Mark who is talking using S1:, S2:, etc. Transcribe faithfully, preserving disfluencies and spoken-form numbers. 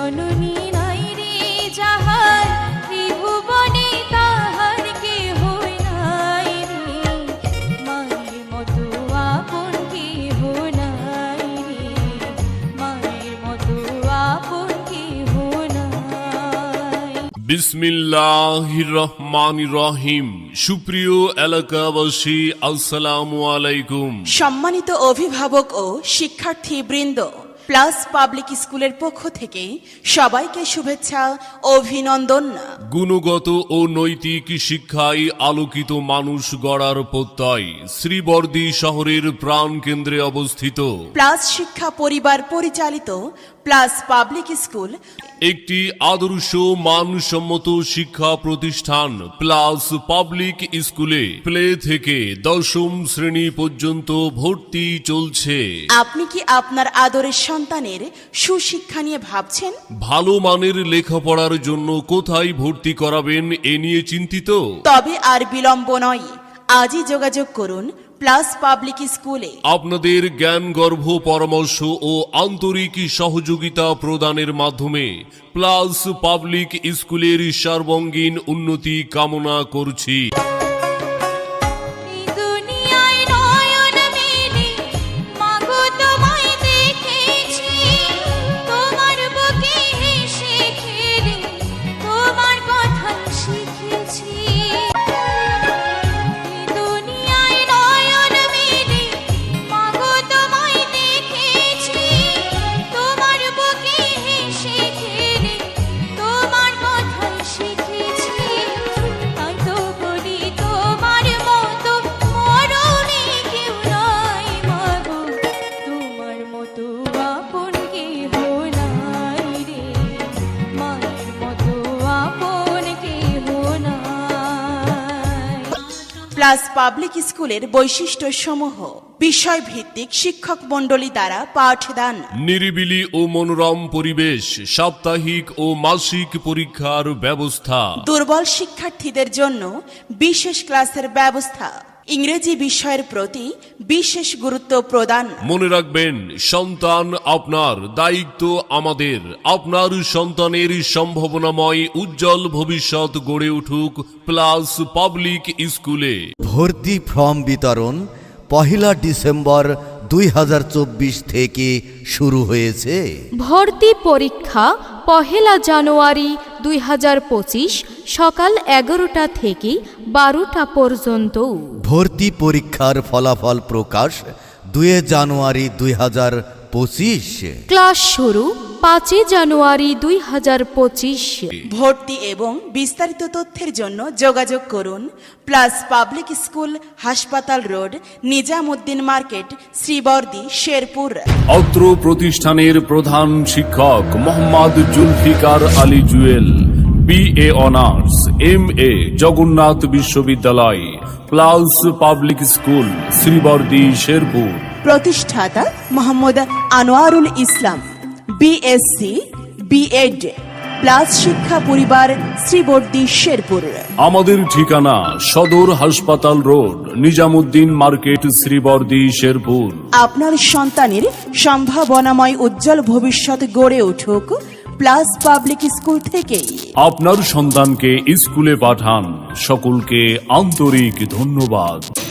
S1: জননী নাই রে যাহার ত্রিভুবনে তাহার কেহ নাই রে, মায়ের মতো আপন কেহ নাই রে, মায়ের মতো আপন কেহ নাই।
S2: বিসমিল্লাহির রহমানির রহিম। সুপ্রিয় এলাকাবাসী, আসসালামু আলাইকুম।
S3: সম্মানিত অভিভাবক ও শিক্ষার্থী বৃন্দ, প্লাস পাবলিক স্কুলের পক্ষ থেকে সবাইকে শুভেচ্ছা, অভিনন্দন।
S2: গুণগত ও নৈতিক শিক্ষায় আলোকিত মানুষ গড়ার প্রত্যয় শ্রীবর্দী শহরের প্রাণ কেন্দ্রে অবস্থিত
S3: প্লাস শিক্ষা পরিবার পরিচালিত প্লাস পাবলিক স্কুল
S2: একটি আদর্শ মানসম্মত শিক্ষা প্রতিষ্ঠান। প্লাস পাবলিক স্কুলে প্লে থেকে দশম শ্রেণী পর্যন্ত ভর্তি চলছে।
S3: আপনি কি আপনার আদরের সন্তানের সুশিক্ষা নিয়ে ভাবছেন?
S2: ভালো মানের লেখাপড়ার জন্য কোথায় ভর্তি করাবেন এ নিয়ে চিন্তিত?
S3: তবে আর বিলম্ব নয়, আজই যোগাযোগ করুন প্লাস পাবলিক স্কুলে।
S2: আপনাদের জ্ঞান গর্ভ পরামর্শ ও আন্তরিক সহযোগিতা প্রদানের মাধ্যমে প্লাস পাবলিক স্কুলের সর্বাঙ্গীন উন্নতি কামনা করছি।
S3: প্লাস পাবলিক স্কুলের বৈশিষ্ট্য সমূহ: বিষয় ভিত্তিক শিক্ষক মণ্ডলী দ্বারা পাঠদান,
S2: নিরিবিলি ও মনোরম পরিবেশ, সাপ্তাহিক ও মাসিক পরীক্ষার ব্যবস্থা,
S3: দুর্বল শিক্ষার্থীদের জন্য বিশেষ ক্লাসের ব্যবস্থা, ইংরেজি বিষয়ের প্রতি বিশেষ গুরুত্ব প্রদান।
S2: মনে রাখবেন, সন্তান আপনার, দায়িত্ব আমাদের। আপনার সন্তানের সম্ভাবনাময় উজ্জ্বল ভবিষ্যৎ গড়ে উঠুক প্লাস পাবলিক স্কুলে।
S4: ভর্তি ফর্ম বিতরণ পহেলা ডিসেম্বর দুই হাজার চব্বিশ থেকে শুরু হয়েছে।
S1: ভর্তি পরীক্ষা পহেলা জানুয়ারি দুই হাজার পঁচিশ সকাল এগারোটা থেকে বারোটা পর্যন্ত।
S4: ভর্তি পরীক্ষার ফলাফল প্রকাশ দুই জানুয়ারি দুই হাজার পঁচিশ।
S1: ক্লাস শুরু পাঁচই জানুয়ারি দুই হাজার পঁচিশ।
S3: ভর্তি এবং বিস্তারিত তথ্যের জন্য যোগাযোগ করুন প্লাস পাবলিক স্কুল, হাসপাতাল রোড, নিজামুদ্দিন মার্কেট, শ্রীবর্দী, শেরপুর।
S2: অত্র প্রতিষ্ঠানের প্রধান শিক্ষক Mohammad Zulfiqar Ali Jewel, B A honours, M A Jagannath বিশ্ববিদ্যালয়, plus public school, Sreebardi, Sherpur.
S3: প্রতিষ্ঠাতা Mohammad Anwarul Islam, BSc, BEd, plus শিক্ষা পরিবার, শ্রীবর্দী, শেরপুর।
S2: আমাদের ঠিকানা সদর হাসপাতাল রোড, নিজামুদ্দিন মার্কেট, শ্রীবর্দী, শেরপুর।
S3: আপনার সন্তানের সম্ভাবনাময় উজ্জ্বল ভবিষ্যৎ গড়ে উঠুক প্লাস পাবলিক স্কুল থেকেই।
S2: আপনার সন্তানকে স্কুলে পাঠান। সকলকে আন্তরিক ধন্যবাদ।